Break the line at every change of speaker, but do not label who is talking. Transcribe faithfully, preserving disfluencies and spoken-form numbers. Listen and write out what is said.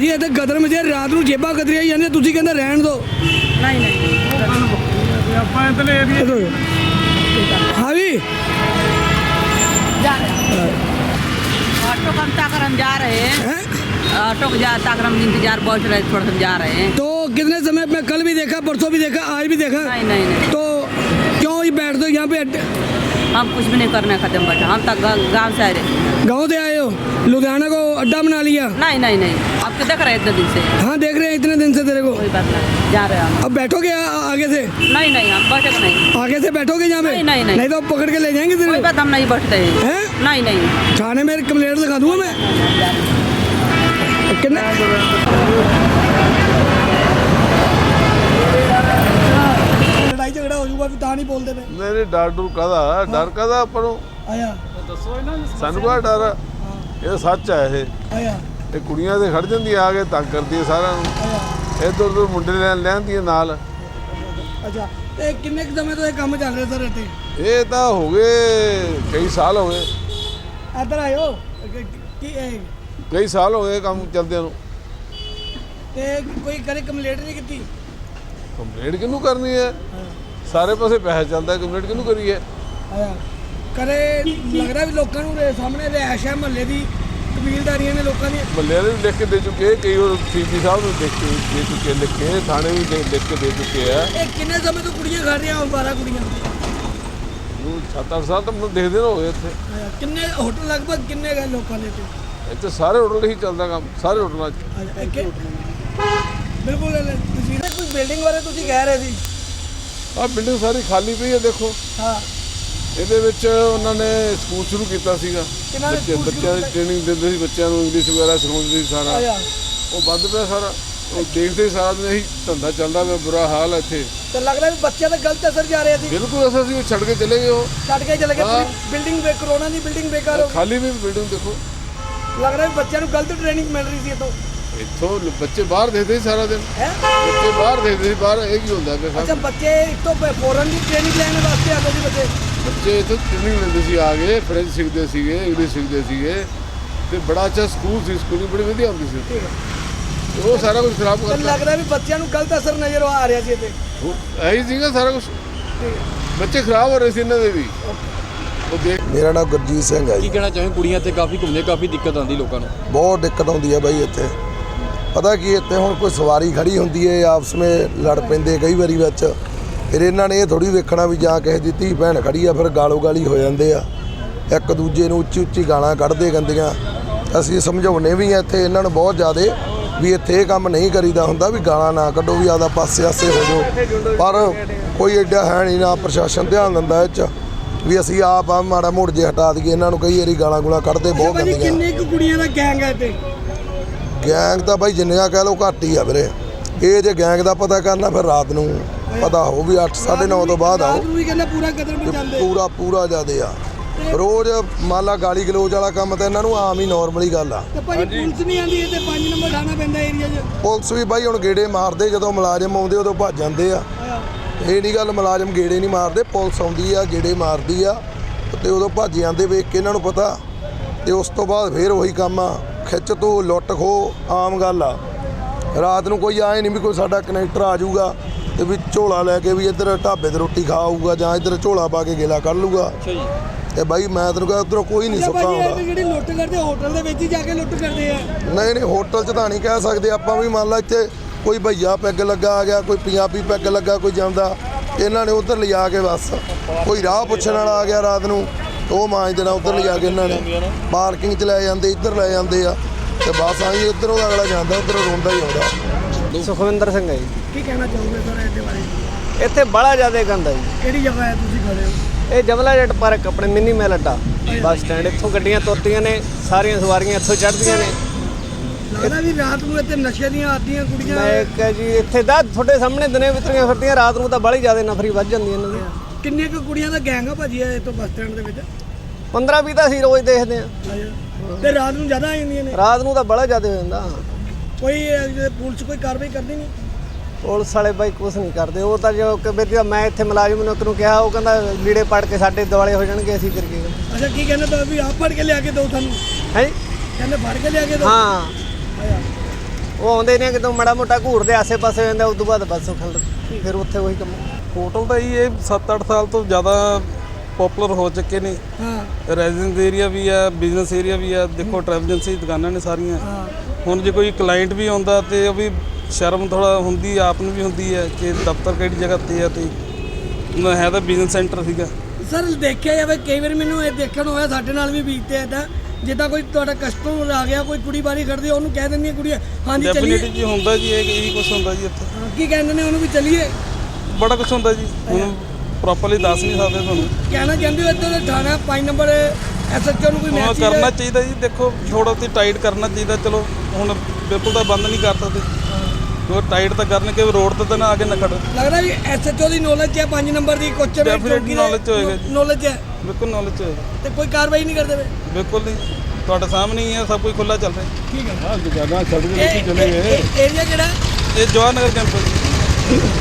ਤੁਸੀਂ ਇੱਥੇ ਗਦਰ ਮਚੇ ਰਾਤ ਨੂੰ ਜੇਬਾਂ ਕਤਰੀਆਂ ਜਾਂਦੇ ਤੁਸੀਂ ਕਹਿੰਦੇ ਰਹਿਣ ਦਿਓ।
ਨਹੀਂ ਨਹੀਂ
ਆਪਾਂ ਇਤਨੇ ਏਰੀਆ
हाँ भी
जा रहे हैं ऑटो का हम ताकरम जा रहे हैं
हैं?
ऑटो का जा ताकरम इंतजार बहुत रहे थोड़ा हम जा रहे हैं।
तो कितने समय में कल भी देखा परसों भी देखा आज भी देखा
नहीं नहीं नहीं
तो क्यों ही बैठ दो यहाँ पे अड्डे-
हम कुछ भी नहीं करना खत्म बैठा हम तक गाँव से आए रहे।
गाँव से आए हो लुधियाना को अड्डा बना लिया।
नहीं नहीं नहीं आपको देख रहे हैं इतने दिन से
हाँ देख रहे हैं इतने दिन से तेरे को।
कोई बात नहीं जा रहे हैं हम।
अब बैठोगे आ- आगे से
नहीं नहीं हम बैठे नहीं
आगे से बैठोगे यहाँ पे
नहीं, नहीं, नहीं।
नहीं तो पकड़ के ले जाएंगे तेरे
कोई
को।
बात हम नहीं बैठते हैं
हैं?
नहीं नहीं
थाने में कंप्लेंट लिखा दूंगा मैं। कितने लड़ाई झगड़ा हो जाऊगा ਤਾਂ नहीं बोलते पे
नहीं नहीं डर डर कादा डर कादा ਆਪਾਂ ਨੂੰ
आया
ਸਾਨੂੰ ਕਾ ਡਰ ਆ? ਇਹ ਸੱਚ ਹੈ ਇਹ
आया
ਇਹ ਕੁੜੀਆਂ ਦੇ ਖੜ ਜਾਂਦੀਆਂ ਆ ਕੇ ਤੰਗ ਕਰਦੀ ਹੈ ਸਾਰਿਆਂ ਨੂੰ
आया
ਇੱਧਰ ਉੱਧਰ ਮੁੰਡੇ ਲੈ ਲੈਂਦੀਆਂ ਨਾਲ।
ਅੱਛਾ ਤੇ ਕਿੰਨੇ ਕੁ ਸਮੇਂ ਤੋਂ ਇਹ ਕੰਮ ਚੱਲ ਰਿਹਾ ਸਰ ਇੱਥੇ?
ਇਹ ਤਾਂ ਹੋ ਗਏ ਕਈ ਸਾਲ ਹੋ ਗਏ
ਇੱਧਰ ਆਇਓ ਕੀ ਇਹ
ਕਈ ਸਾਲ ਹੋ ਗਏ ਕੰਮ ਚੱਲਦਿਆਂ ਨੂੰ।
ਤੇ ਕੋਈ ਕਰੇ ਕੰਪਲੇਂਟ ਨਹੀਂ ਕੀਤੀ?
ਕੰਪਲੇਂਟ ਕਿਹਨੂੰ ਕਰਨੀ ਹੈ? ਸਾਰੇ ਪਾਸੇ ਪੈਸਾ ਚੱਲਦਾ, ਕੰਪਲੇਂਟ ਕਿਹਨੂੰ ਕਰੀਏ?
ਆਇਆ ਕਰੇ ਲੱਗਦਾ ਵੀ ਲੋਕਾਂ ਨੂੰ ਦੇ ਸਾਹਮਣੇ ਰਿਹਾਇਸ਼ ਹੈ ਮਹੱਲੇ ਦੀ ਕਬੀਲਦਾਰੀਆਂ ਨੇ ਲੋਕਾਂ ਦੀਆਂ।
ਮੱਲੇ ਵਾਲੇ ਵੀ ਲਿਖ ਕੇ ਦੇ ਚੁੱਕੇ, ਕਈ ਹੋਰ ਸੀਪੀ ਸਾਹਿਬ ਨੂੰ ਲਿਖ ਕੇ ਦੇ ਚੁੱਕੇ, ਲਿਖ ਕੇ ਥਾਣੇ ਵੀ ਦੇ- ਲਿਖ ਕੇ ਦੇ ਚੁੱਕੇ ਆ।
ਇਹ ਕਿੰਨੇ ਸਮੇਂ ਤੋਂ ਕੁੜੀਆਂ ਖੜ ਰਹੀਆਂ ਬਾਰਾਂ ਕੁੜੀਆਂ?
ਉਹ ਸੱਤ ਅੱਠ ਸਾਲ ਤਾਂ ਮੈਨੂੰ ਦੇਖਦੇ ਨਾ ਹੋਏ ਇੱਥੇ।
ਆਇਆ ਕਿੰਨੇ ਹੋਟਲ ਲਗਭਗ ਕਿੰਨੇ ਗਏ ਲੋਕਾਂ ਦੇ ਇੱਥੇ?
ਇੱਥੇ ਸਾਰੇ ਹੋਟਲ ਹੀ ਚੱਲਦਾ ਕੰਮ, ਸਾਰੇ ਹੋਟਲਾਂ 'ਚ।
ਆਇਆ ਇੱਕ ਬਿਲਕੁਲ ਤੁਸੀਂ ਕੋਈ ਬਿਲਡਿੰਗ ਬਾਰੇ ਤੁਸੀਂ ਕਹਿ ਰਹੇ ਸੀ।
ਆਹ ਬਿਲਡਿੰਗ ਸਾਰੀ ਖਾਲੀ ਪਈ ਹੈ ਦੇਖੋ।
ਹਾਂ
ਇਹਦੇ ਵਿੱਚ ਉਹਨਾਂ ਨੇ ਸਕੂਲ ਸ਼ੁਰੂ ਕੀਤਾ ਸੀਗਾ,
ਕਿਹਨਾਂ ਨੇ
ਬੱਚੇ
ਸਕੂਲ
ਬੱਚਿਆਂ ਦੀ
ਸ਼ੁਰੂ
ਟ੍ਰੇਨਿੰਗ ਦਿੰਦੇ ਸੀ, ਬੱਚਿਆਂ ਨੂੰ ਇੰਗਲਿਸ਼ ਵਗੈਰਾ ਸਿਖਾਉਂਦੇ ਸੀ ਸਾਰਾ।
ਆਇਆ
ਉਹ ਬੰਦ ਪਿਆ ਸਾਰਾ, ਉਹ ਦੇਖਦੇ ਸੀ ਸਾਰਾ ਦਿਨ ਇਹੀ ਧੰਦਾ ਚੱਲਦਾ ਪਿਆ, ਬੁਰਾ ਹਾਲ ਹੈ ਇੱਥੇ।
ਤੇ ਲੱਗਦਾ ਵੀ ਬੱਚਿਆਂ ਦਾ ਗਲਤ ਅਸਰ ਜਾ ਰਿਹਾ ਸੀ।
ਬਿਲਕੁਲ ਅਸਾਂ ਸੀ ਛੱਡ ਕੇ ਚਲੇ ਗਏ, ਉਹ
ਛੱਡ ਕੇ ਚਲੇ ਗਏ
ਹਾਂ।
ਬਿਲਡਿੰਗ ਬੇ ਕਰੋਨਾ ਦੀ ਬਿਲਡਿੰਗ ਬੇਕਾਰ ਹੋ ਗਈ।
ਖਾਲੀ ਵੀ ਬਿਲਡਿੰਗ ਦੇਖੋ।
ਲੱਗ ਰਿਹਾ ਵੀ ਬੱਚਿਆਂ ਨੂੰ ਗਲਤ ਟ੍ਰੇਨਿੰਗ ਮਿਲ ਰਹੀ ਸੀ ਇੱਥੋਂ।
ਇੱਥੋਂ ਲ- ਬੱਚੇ ਬਾਹਰ ਦੇਖਦੇ ਸੀ ਸਾਰਾ ਦਿਨ,
ਹੈ
ਬੱਚੇ ਬਾਹਰ ਦੇਖਦੇ ਸੀ, ਬਾਹਰ ਇਹ ਕੀ ਹੁੰਦਾ ਪਿਆ
ਅੱਛਾ
ਸਭ।
ਬੱਚੇ ਇੱਥੋਂ ਫੋਰਨ ਦੀ ਟ੍ਰੇਨਿੰਗ ਲੈਣ ਵਾਸਤੇ ਆਉਂਦੇ ਸੀ ਬੱਚੇ।
ਬੱਚੇ ਇੱਥੋਂ ਟ੍ਰੇਨਿੰਗ ਲੈਂਦੇ ਸੀ, ਆ ਗਏ ਫ੍ਰੈਂਚ ਸਿੱਖਦੇ ਸੀਗੇ, ਇੰਗਲਿਸ਼ ਸਿੱਖਦੇ ਸੀਗੇ, ਤੇ ਬੜਾ ਅੱਛਾ ਸਕੂਲ ਸੀ, ਸਕੂਲਿੰਗ ਬੜੀ ਵਧੀਆ ਹੁੰਦੀ ਸੀ ਉੱਥੇ। ਤੇ ਉਹ ਸਾਰਾ ਕੁਝ ਖਰਾਬ
ਤੇ
ਕਰਤਾ।
ਲੱਗ ਰਿਹਾ ਵੀ ਬੱਚਿਆਂ ਨੂੰ ਗਲਤ ਅਸਰ ਨਜ਼ਰ ਆ ਰਿਹਾ ਸੀ ਇੱਥੇ।
ਇਹੀ ਸੀਗਾ ਸਾਰਾ ਕੁਝ, ਬੱਚੇ ਖਰਾਬ ਹੋ ਰਹੇ ਸੀ ਇਹਨਾਂ ਦੇ ਵੀ। ਉਹ ਦੇਖ
ਮੇਰਾ ਨਾਮ ਗੁਰਜੀਤ ਸਿੰਘ ਹੈ
ਕੀ
ਜੀ।
ਕਹਿਣਾ ਚਾਹੁੰਦੇ ਕੁੜੀਆਂ ਇੱਥੇ ਕਾਫੀ ਘੁੰਮਦੇ, ਕਾਫੀ ਦਿੱਕਤ ਆਉਂਦੀ ਲੋਕਾਂ ਨੂੰ?
ਬਹੁਤ ਦਿੱਕਤ ਆਉਂਦੀ ਹੈ ਬਾਈ ਇੱਥੇ। ਪਤਾ ਕੀ ਇੱਥੇ ਹੁਣ ਕੋਈ ਸਵਾਰੀ ਖੜੀ ਹੁੰਦੀ ਹੈ, ਆਪਸ ਵਿੱਚ ਲੜ ਪੈਂਦੇ ਕਈ ਵਾਰੀ ਵਿੱਚ। ਫਿਰ ਇਹਨਾਂ ਨੇ ਇਹ ਥੋੜੀ ਵੇਖਣਾ ਵੀ ਜਾਂ ਕਿਸੇ ਦੀ ਧੀ ਭੈਣ ਖੜੀ ਆ, ਫਿਰ ਗਾਲੋ ਗਾਲੀ ਹੋ ਜਾਂਦੇ ਆ, ਇੱਕ ਦੂਜੇ ਨੂੰ ਉੱਚੀ ਉੱਚੀ ਗਾਲਾਂ ਕੱਢਦੇ ਗੰਦੀਆਂ। ਅਸੀਂ ਸਮਝਾਉਣੇ ਵੀ ਆ ਇੱਥੇ ਇਹਨਾਂ ਨੂੰ ਬਹੁਤ ਜ਼ਿਆਦੇ ਵੀ ਇੱਥੇ ਇਹ ਕੰਮ ਨਹੀਂ ਕਰੀਦਾ ਹੁੰਦਾ, ਵੀ ਗਾਲਾਂ ਨਾ ਕੱਢੋ, ਵੀ ਆਪਦਾ ਪਾਸੇ ਆਸੇ ਹੋ ਜਾਓ। ਪਰ ਕੋਈ ਐਡਾ ਹੈ ਨਹੀਂ, ਨਾ ਪ੍ਰਸ਼ਾਸਨ ਧਿਆਨ ਦਿੰਦਾ ਇਹ 'ਚ ਵੀ ਅਸੀਂ ਆਪ ਆ ਮਾੜਾ ਮੋੜ ਜੇ ਹਟਾ ਦਈਏ ਇਹਨਾਂ ਨੂੰ। ਕਈ ਵਾਰੀ ਗਾਲਾਂ ਗੁਲਾਂ ਕੱਢਦੇ ਬਹੁਤ
ਭਾਜੀ
ਗੰਦੀਆਂ।
ਕਿੰਨੇ ਕੁ ਕੁੜੀਆਂ ਦਾ ਗੈਂਗ ਹੈ ਇੱਥੇ?
ਗੈਂਗ ਤਾਂ ਬਾਈ ਜਿੰਨੀਆਂ ਕਹਿ ਲਓ ਘੱਟ ਹੀ ਆ ਵੀਰੇ। ਇਹ ਜੇ ਗੈਂਗ ਦਾ ਪਤਾ ਕਰਨਾ ਫਿਰ ਰਾਤ ਨੂੰ ਪਤਾ ਹੋ ਵੀ ਅੱਠ ਸਾਢੇ ਨੌ ਤੋਂ ਬਾਅਦ ਆਓ।
ਰਾਤ ਨੂੰ ਵੀ ਕਹਿੰਦਾ ਪੂਰਾ ਕਦਰ ਮਚਾਉਂਦੇ।
ਪੂਰਾ ਪੂਰਾ ਜ਼ਿਆਦੇ ਆ ਰੋਜ਼। ਮੰਨ ਲਾ ਗਾਲੀ ਗਲੋਚ ਵਾਲਾ ਕੰਮ ਤਾਂ ਇਹਨਾਂ ਨੂੰ ਆਮ ਹੀ ਨਾਰਮਲੀ ਗੱਲ ਆ।
ਤੇ ਭਾਜੀ ਪੁਲਿਸ ਨਹੀਂ ਆਉਂਦੀ ਇੱਥੇ ਪੰਜ ਨੰਬਰ ਥਾਣਾ ਪੈਂਦਾ ਏਰੀਆ 'ਚ।
ਪੁਲਿਸ ਵੀ ਬਾਈ ਹੁਣ ਗੇੜੇ ਮਾਰਦੇ, ਜਦੋਂ ਮੁਲਾਜ਼ਮ ਆਉਂਦੇ ਉਦੋਂ ਭੱਜ ਜਾਂਦੇ ਆ। ਇਹ ਨਹੀਂ ਗੱਲ ਮੁਲਾਜ਼ਮ ਗੇੜੇ ਨਹੀਂ ਮਾਰਦੇ, ਪੁਲਿਸ ਆਉਂਦੀ ਆ ਗੇੜੇ ਮਾਰਦੀ ਆ ਤੇ ਉਦੋਂ ਭੱਜ ਜਾਂਦੇ ਵੇਖ ਕੇ ਇਹਨਾਂ ਨੂੰ ਪਤਾ। ਤੇ ਉਸ ਤੋਂ ਬਾਅਦ ਫਿਰ ਉਹੀ ਕੰਮ ਆ, ਖਿੱਚ ਤੋਂ ਲੁੱਟ ਖੋ ਆਮ ਗੱਲ ਆ। ਰਾਤ ਨੂੰ ਕੋਈ ਆਏ ਨਹੀਂ ਵੀ ਕੋਈ ਸਾਡਾ ਕਨੈਕਟਰ ਆ ਜਾਊਗਾ ਤੇ ਵੀ ਝੋਲਾ ਲੈ ਕੇ ਵੀ ਇੱਧਰ ਢਾਬੇ ਤੇ ਰੋਟੀ ਖਾ ਆਊਗਾ, ਜਾਂ ਇੱਧਰ ਝੋਲਾ ਪਾ ਕੇ ਗੇਲਾ ਕੱਢ ਲੂਗਾ।
ਅੱਛਾ ਜੀ।
ਤੇ ਬਾਈ ਮੈਂ ਤੈਨੂੰ ਕਹਿੰਦਾ ਉੱਧਰੋਂ ਕੋਈ ਨਹੀਂ ਸੁੱਕਾ
ਭਾਜੀ
ਆਉਂਦਾ।
ਇਹ ਜਿਹੜੀ ਲੁੱਟ ਕਰਦੇ ਹੋਟਲ ਦੇ ਵਿੱਚ ਹੀ ਜਾ ਕੇ ਲੁੱਟ ਕਰਦੇ ਆ।
ਨਹੀਂ ਨਹੀਂ ਹੋਟਲ 'ਚ ਤਾਂ ਨਹੀਂ ਕਹਿ ਸਕਦੇ ਆਪਾਂ ਵੀ। ਮੰਨ ਲਾ ਇੱਥੇ ਕੋਈ ਭਈਆ ਪੈਗ ਲੱਗਾ ਆ ਗਿਆ, ਕੋਈ ਪੰਜਾਬੀ ਪੈਗ ਲੱਗਾ ਕੋਈ ਜਾਂਦਾ, ਇਹਨਾਂ ਨੇ ਉੱਧਰ ਲਿਜਾ ਕੇ ਬਸ ਕੋਈ ਰਾਹ ਪੁੱਛਣ ਵਾਲਾ ਆ ਗਿਆ ਰਾਤ ਨੂੰ, ਉਹ ਮਾਂਜ ਦੇਣਾ ਉੱਧਰ ਲਿਜਾ ਕੇ। ਇਹਨਾਂ ਨੇ ਪਾਰਕਿੰਗ 'ਚ ਲੈ ਜਾਂਦੇ, ਇੱਧਰ ਲੈ ਜਾਂਦੇ ਆ ਤੇ ਬਸ ਆਈ ਇੱਧਰੋਂ ਅਗਲਾ ਜਾਂਦਾ, ਉੱਧਰੋਂ ਰੋਂਦਾ ਹੀ ਆਉਂਦਾ।
ਸੁਖਵਿੰਦਰ ਸਿੰਘ ਹੈ ਜੀ।
ਕੀ ਕਹਿਣਾ ਚਾਹੋਗੇ ਸਰ ਇਹਦੇ ਬਾਰੇ?
ਇੱਥੇ ਬੜਾ ਜ਼ਿਆਦਾ ਗੰਦ ਹੈ ਜੀ।
ਕਿਹੜੀ ਜਗ੍ਹਾ ਹੈ ਤੁਸੀਂ ਖੜੇ ਹੋ?
ਇਹ ਜਮਲਾ ਜੱਟ ਪਾਰਕ ਆਪਣੇ ਮਿੰਨੀ ਮੈਲ ਅੱਡਾ ਬੱਸ ਸਟੈਂਡ। ਇੱਥੋਂ ਗੱਡੀਆਂ ਤੁਰਦੀਆਂ ਨੇ, ਸਾਰੀਆਂ ਸਵਾਰੀਆਂ ਇੱਥੋਂ ਚੜ੍ਹਦੀਆਂ ਨੇ।
ਲੱਗਦਾ ਵੀ ਰਾਤ ਨੂੰ ਇੱਥੇ ਨਸ਼ੇ ਦੀਆਂ ਆਦੀਆਂ ਕੁੜੀਆਂ।
ਮੈਂ ਕਿਹਾ ਜੀ ਇੱਥੇ ਦਾ ਤੁਹਾਡੇ ਸਾਹਮਣੇ ਦਿਨੇ ਵਿਤਰੀਆਂ ਫਿਰਦੀਆਂ, ਰਾਤ ਨੂੰ ਤਾਂ ਬੜੀ ਜ਼ਿਆਦਾ ਨਫਰੀ ਵੱਧ ਜਾਂਦੀ ਇਹਨਾਂ ਦੀ।
ਕਿੰਨੇ ਕੁ ਕੁੜੀਆਂ ਦਾ ਗੈਂਗ ਆ ਭਾਜੀ ਇਹ ਤੋਂ ਬੱਸ ਸਟੈਂਡ ਦੇ ਵਿੱਚ?
ਪੰਦਰਾਂ ਵੀਹ ਤਾਂ ਅਸੀਂ ਰੋਜ਼ ਦੇਖਦੇ ਆ।
ਤੇ ਰਾਤ ਨੂੰ ਜ਼ਿਆਦਾ ਆ ਜਾਂਦੀਆਂ ਨੇ?
ਰਾਤ ਨੂੰ ਤਾਂ ਬੜਾ ਜ਼ਿਆਦਾ ਹੋ ਜਾਂਦਾ।
ਕੋਈ ਇਹ ਪੁਲਿਸ ਕੋਈ ਕਾਰਵਾਈ ਕਰਦੀ ਨਹੀਂ?
ਪੁਲਿਸ ਵਾਲੇ ਬਾਈ ਕੁਛ ਨਹੀਂ ਕਰਦੇ। ਉਹ ਤਾਂ ਜੋ ਕਿ ਵੀ ਮੈਂ ਇੱਥੇ ਮੁਲਾਜ਼ਮ ਨੂੰ ਇੱਕ ਨੂੰ ਕਿਹਾ, ਉਹ ਕਹਿੰਦਾ ਲੀੜੇ ਪੜ ਕੇ ਸਾਡੇ ਦੁਆਲੇ ਹੋ ਜਾਣਗੇ, ਅਸੀਂ ਕਰੀਏ।
ਅੱਛਾ ਕੀ ਕਹਿੰਦੇ ਤਾਂ ਵੀ ਆਪ ਫੜ ਕੇ ਲਿਆ ਕੇ ਦਿਓ ਤੁਹਾਨੂੰ?
ਹੈ
ਕਹਿੰਦੇ ਫੜ ਕੇ ਲਿਆ ਕੇ ਦਿਓ?
ਹਾਂ। ਉਹ ਆਉਂਦੇ ਨੇ ਕਿਤੋਂ ਮਾੜਾ ਮੋਟਾ ਘੂਰਦੇ ਆਸੇ-ਪਾਸੇ ਹੋ ਜਾਂਦਾ, ਉਸ ਤੋਂ ਬਾਅਦ ਬਸ ਉਹ ਖਲ ਫਿਰ ਉੱਥੇ ਉਹੀ ਕੰਮ।
ਹੋਟਲ ਤਾਂ ਜੀ ਇਹ ਸੱਤ ਅੱਠ ਸਾਲ ਤੋਂ ਜ਼ਿਆਦਾ ਪਪੂਲਰ ਹੋ ਚੁੱਕੇ ਨੇ।
ਹਾਂ
ਰੈਜ਼ੀਡੈਂਸ ਏਰੀਆ ਵੀ ਆ, ਬਿਜ਼ਨਸ ਏਰੀਆ ਵੀ ਆ, ਦੇਖੋ ਟਰੈਵਲ ਏਜੰਸੀ ਦੁਕਾਨਾਂ ਨੇ ਸਾਰੀਆਂ।
ਹਾਂ
ਹੁਣ ਜੇ ਕੋਈ ਕਲਾਇੰਟ ਵੀ ਆਉਂਦਾ ਤੇ ਉਹ ਵੀ ਸ਼ਰਮ ਥੋੜਾ ਹੁੰਦੀ ਆਪ ਨੂੰ ਵੀ ਹੁੰਦੀ ਹੈ ਕਿ ਦਫ਼ਤਰ ਕਿਹੜੀ ਜਗ੍ਹਾ ਤੇ ਆ, ਤੇ ਨਾ ਹੈ ਤਾਂ ਬਿਜ਼ਨਸ ਸੈਂਟਰ ਸੀਗਾ।
ਸਰ ਦੇਖਿਆ ਜਾਵੇ ਕਈ ਵਾਰ ਮੈਨੂੰ ਇਹ ਦੇਖਣ ਨੂੰ ਹੋਇਆ, ਸਾਡੇ ਨਾਲ ਵੀ ਬੀਤਦੇ ਇੱਦਾਂ, ਜਿੱਦਾਂ ਕੋਈ ਤੁਹਾਡਾ ਕਸਟਮਰ ਆ ਗਿਆ, ਕੋਈ ਕੁੜੀ ਬਾਰੀ ਖੜਦੀ ਆ, ਉਹਨੂੰ ਕਹਿ ਦਿੰਦੀਆਂ ਕੁੜੀਆਂ ਹਾਂਜੀ ਚੱਲੀਏ।
ਡੈਫੀਨਿਟਲੀ ਜੀ ਹੁੰਦਾ ਜੀ, ਇਹ ਇਹੀ ਕੁਝ ਹੁੰਦਾ ਜੀ ਇੱਥੇ।
ਹਾਂ, ਕੀ ਕਹਿੰਦੇ ਨੇ ਉਹਨੂੰ ਵੀ ਚੱਲੀਏ?
ਬੜਾ ਕੁਝ ਹੁੰਦਾ ਜੀ, ਹੁਣ ਪ੍ਰੋਪਰਲੀ ਦੱਸ ਨਹੀਂ ਸਕਦੇ ਤੁਹਾਨੂੰ।
ਕਹਿਣਾ ਚਾਹੁੰਦੇ ਹੋ ਇੱਧਰ ਦੇ ਥਾਣਾ ਪੰਜ ਨੰਬਰ ਐਸਐਚਓ ਨੂੰ ਕੋਈ
ਹਾਂ
ਮੈਸੇਜ
ਕਰਨਾ ਚਾਹੀਦਾ ਜੀ, ਦੇਖੋ ਥੋੜਾ ਤੇ ਟਾਈਟ ਕਰਨਾ ਚਾਹੀਦਾ। ਚਲੋ ਹੁਣ ਬਿਲਕੁਲ ਤਾਂ ਬੰਦ ਨਹੀਂ ਕਰ ਸਕਦੇ, ਉਹ ਟਾਈਟ ਤਾਂ ਕਰਨ ਕਿ ਰੋਡ ਤੇ ਤਾਂ ਨਾ ਆ ਕੇ ਨਾ ਖੜ।
ਲੱਗਦਾ ਵੀ ਐਸਐਚਓ ਦੀ ਨੌਲੇਜ ਹੈ ਪੰਜ ਨੰਬਰ ਦੀ ਕੁਐਸਚਨ
Definitely knowledge ਹੋਏਗਾ ਜੀ।
ਨੌਲੇਜ ਹੈ
ਬਿਲਕੁਲ ਨੌਲੇਜ ਹੋਏਗਾ,
ਤੇ ਕੋਈ ਕਾਰਵਾਈ ਨਹੀਂ ਕਰਦੇ ਵੇ?
ਬਿਲਕੁਲ ਨਹੀਂ, ਤੁਹਾਡੇ ਸਾਹਮਣੇ ਹੀ ਹੈ, ਸਭ ਕੁਝ ਖੁੱਲਾ ਚੱਲ ਰਿਹਾ।
ਠੀਕ ਹੈ।
ਹਾਂ ਦੁਕਾਨਾਂ ਛੱਡ ਕੇ ਚਲੇ ਗਏ।
ਏਰੀਆ ਕਿਹੜਾ?
ਇਹ ਜਵਾਹਰ ਨਗਰ ਕੈਂਪਸ।